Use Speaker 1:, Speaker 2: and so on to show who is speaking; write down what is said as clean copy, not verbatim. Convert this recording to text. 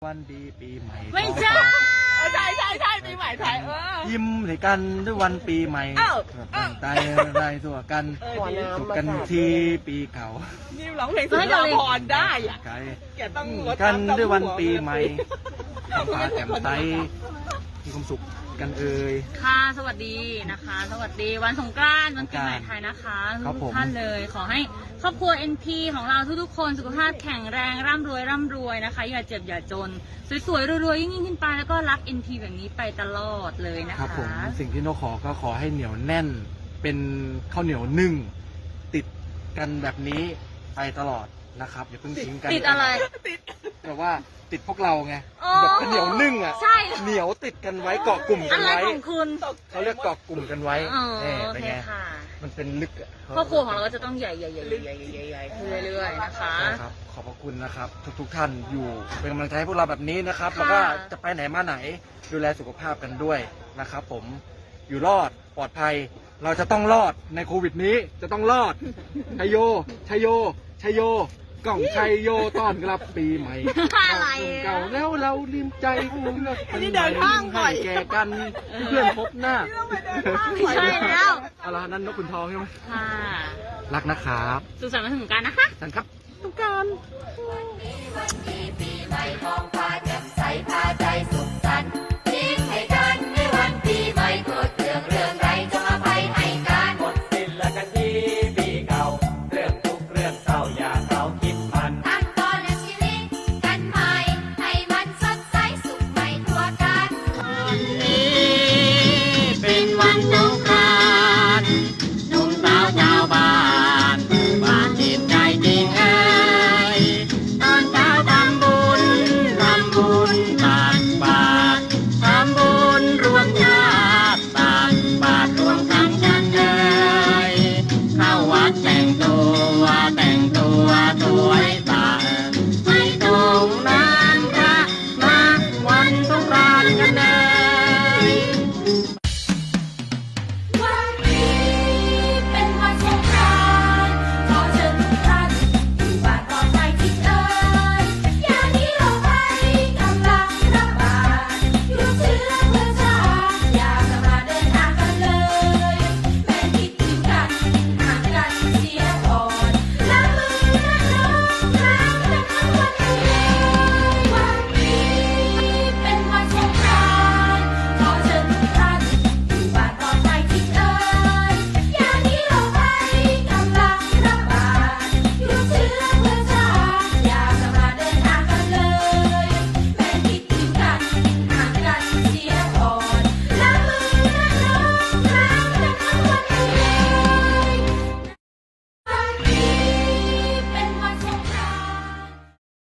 Speaker 1: วันดีปีใหม่
Speaker 2: ไม่ใช่
Speaker 3: ใช่ปีใหม่ไทย
Speaker 1: ยิ้มให้กันด้วยวันปีใหม่ตั้งใจได้ตัวกันสุขกันทีปีเก่า
Speaker 3: นี่ร้องเพลงสุนทรภรณ์ได้อ่ะ
Speaker 1: ไกล
Speaker 3: แกต้องลด
Speaker 1: กันด้วยวันปีใหม่ท้องฟ้าแจ่มใสมีความสุขกันเอ่ย
Speaker 2: ค่ะสวัสดีนะคะ สวัสดีวันสงกรานต์วันปีใหม่ไทยนะคะ
Speaker 1: ครับ
Speaker 2: ทุ
Speaker 1: ผ
Speaker 2: ก
Speaker 1: ม
Speaker 2: ท่านเลยขอให้ครอบครัว NP ของเราทุกๆคนสุขภาพแข็งแรงร่ำรวยนะคะอย่าเจ็บอย่าจนสวยๆรวยๆยิ่งขึ้นไปแล้วก็รัก NP แบบนี้ไปตลอดเลยนะ
Speaker 1: ครั
Speaker 2: คะ
Speaker 1: บผมสิ่งที่นกขอก็ขอให้เหนียวแน่นเป็นข้าวเหนียวนึ่งติดกันแบบนี้ไปตลอดนะครับอย่าเพิ่งทิ้งกัน
Speaker 2: ติดอะไร
Speaker 1: แต่ว่าติดพวกเราไง
Speaker 2: อ๋อ
Speaker 1: แบบเหนียวนึ่งอ่ะ
Speaker 2: ใช่
Speaker 1: เหนียวติดกันไว้เกาะกลุ่มกั
Speaker 2: อะ
Speaker 1: น
Speaker 2: ไร
Speaker 1: ไว้
Speaker 2: ของคุณ
Speaker 1: เขาเรียกเกาะกลุ่มกันไว้
Speaker 2: อ๋อ
Speaker 1: นี่
Speaker 2: โอ
Speaker 1: เป็น
Speaker 2: เค
Speaker 1: ไง
Speaker 2: ค่ะ
Speaker 1: มันเป็นลึกอะ
Speaker 2: ครอบครัวของเราก็จะต้องใหญ่ขึ้นเรื่อยๆนะคะ
Speaker 1: ใช่ครับขอบพระคุณนะครับ ทุกท่านอยู่เป็นกำลังใจให้พวกเราแบบนี้นะครับ แล้วก็จะไปไหนมาไหนดูแลสุขภาพกันด้วยนะครับผมอยู่รอดปลอดภัย เราจะต้องรอดในโควิดนี้จะต้องรอดชัยโยชัยโยชัยโยกล่องชัยโยต้อนรับปีใหม่
Speaker 2: อะไร
Speaker 1: เก่าแล้วเราลืมใจคุณ
Speaker 3: นี่เดินห้างบ่อย
Speaker 1: ให้แก่กันเพื่อนพบหน้า
Speaker 2: ไม่ใช่แล้ว
Speaker 1: เอาละนั่นนกขุนทองใช่ไหม
Speaker 2: ค่ะ
Speaker 1: รักนะครับ
Speaker 2: สุขสันต์วันสงกรานต์นะคะ
Speaker 1: สันครับ
Speaker 3: ต้องการ
Speaker 4: ปีใหม่ของ